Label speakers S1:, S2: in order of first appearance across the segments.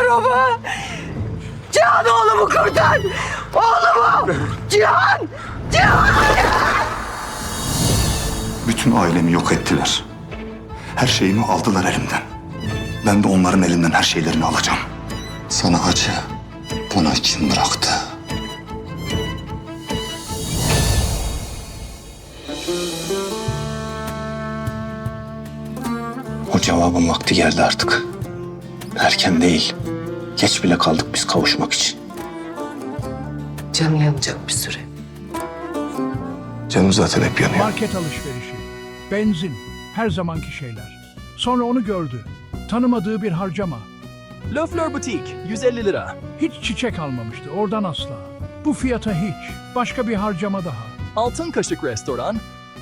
S1: ama. Cihan oğlumu kurtar. Oğlumu. Cihan. Cihan.
S2: Bütün ailemi yok ettiler. Her şeyimi aldılar elimden. Ben de onların elinden her şeylerini alacağım. Sana acı bana kim bıraktı? O cevabın vakti geldi artık. Erken değil. Geç bile kaldık biz kavuşmak için.
S1: Canı yanacak bir süre.
S2: Canım zaten hep yanıyor.
S3: Market alışverişi, benzin, her zamanki şeyler. Sonra onu gördü. Tanımadığı bir harcama.
S4: Le Fleur Boutique 150 lira.
S3: Hiç çiçek almamıştı, oradan asla. Bu fiyata hiç. Başka bir harcama daha.
S4: Altın Kaşık Restoran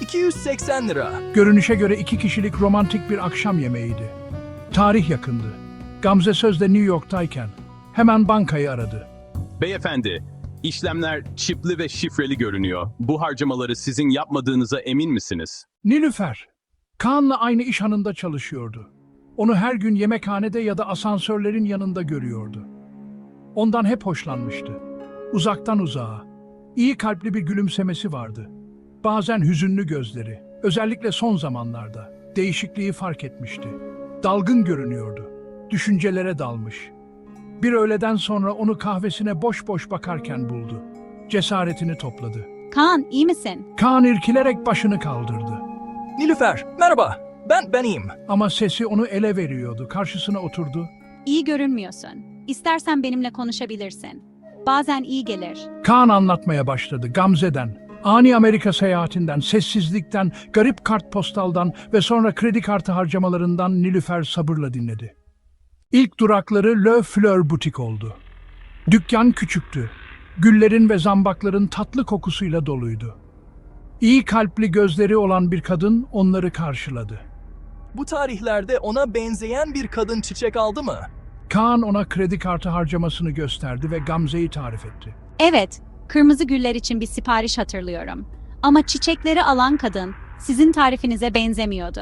S4: 280 lira.
S3: Görünüşe göre 2 kişilik romantik bir akşam yemeğiydi. Tarih yakındı. Gamze Söz de New York'tayken hemen bankayı aradı.
S5: Beyefendi, işlemler çipli ve şifreli görünüyor. Bu harcamaları sizin yapmadığınıza emin misiniz?
S3: Nilüfer, Kaan'la aynı iş hanında çalışıyordu. Onu her gün yemekhanede ya da asansörlerin yanında görüyordu. Ondan hep hoşlanmıştı. Uzaktan uzağa. İyi kalpli bir gülümsemesi vardı. Bazen hüzünlü gözleri, özellikle son zamanlarda değişikliği fark etmişti. Dalgın görünüyordu. Düşüncelere dalmış. Bir öğleden sonra onu kahvesine boş boş bakarken buldu. Cesaretini topladı.
S6: Kaan, iyi misin?
S3: Kaan irkilerek başını kaldırdı.
S4: Nilüfer, merhaba. Ben iyiyim.
S3: Ama sesi onu ele veriyordu. Karşısına oturdu.
S6: İyi görünmüyorsun. İstersen benimle konuşabilirsin. Bazen iyi gelir.
S3: Kaan anlatmaya başladı Gamze'den, ani Amerika seyahatinden, sessizlikten, garip kartpostaldan ve sonra kredi kartı harcamalarından Nilüfer sabırla dinledi. İlk durakları Le Fleur Boutique oldu. Dükkan küçüktü. Güllerin ve zambakların tatlı kokusuyla doluydu. İyi kalpli gözleri olan bir kadın onları karşıladı.
S4: Bu tarihlerde ona benzeyen bir kadın çiçek aldı mı?
S3: Kaan ona kredi kartı harcamasını gösterdi ve Gamze'yi tarif etti.
S6: Evet, kırmızı güller için bir sipariş hatırlıyorum. Ama çiçekleri alan kadın sizin tarifinize benzemiyordu.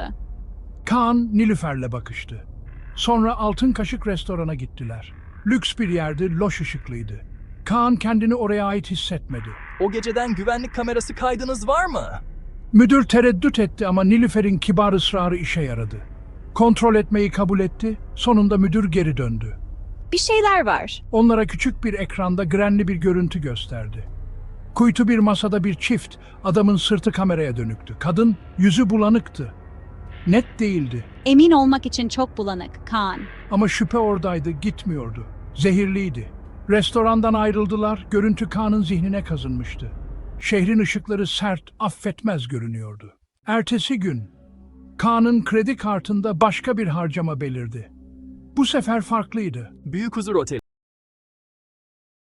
S3: Kaan Nilüfer'le bakıştı. Sonra Altın Kaşık restorana gittiler. Lüks bir yerdi, loş ışıklıydı. Kaan kendini oraya ait hissetmedi.
S4: O geceden güvenlik kamerası kaydınız var mı?
S3: Müdür tereddüt etti ama Nilüfer'in kibar ısrarı işe yaradı. Kontrol etmeyi kabul etti, sonunda müdür geri döndü.
S6: Bir şeyler var.
S3: Onlara küçük bir ekranda grenli bir görüntü gösterdi. Kuytu bir masada bir çift, adamın sırtı kameraya dönüktü. Kadın yüzü bulanıktı. Net değildi
S6: Emin olmak için çok bulanık, Kaan.
S3: ama şüphe oradaydı, gitmiyordu. Zehirliydi. Restorandan ayrıldılar, görüntü Kaan'ın zihnine kazınmıştı. Şehrin ışıkları sert, affetmez görünüyordu. Ertesi gün, Kaan'ın kredi kartında başka bir harcama belirdi. Bu sefer farklıydı.
S4: Büyük Huzur Oteli.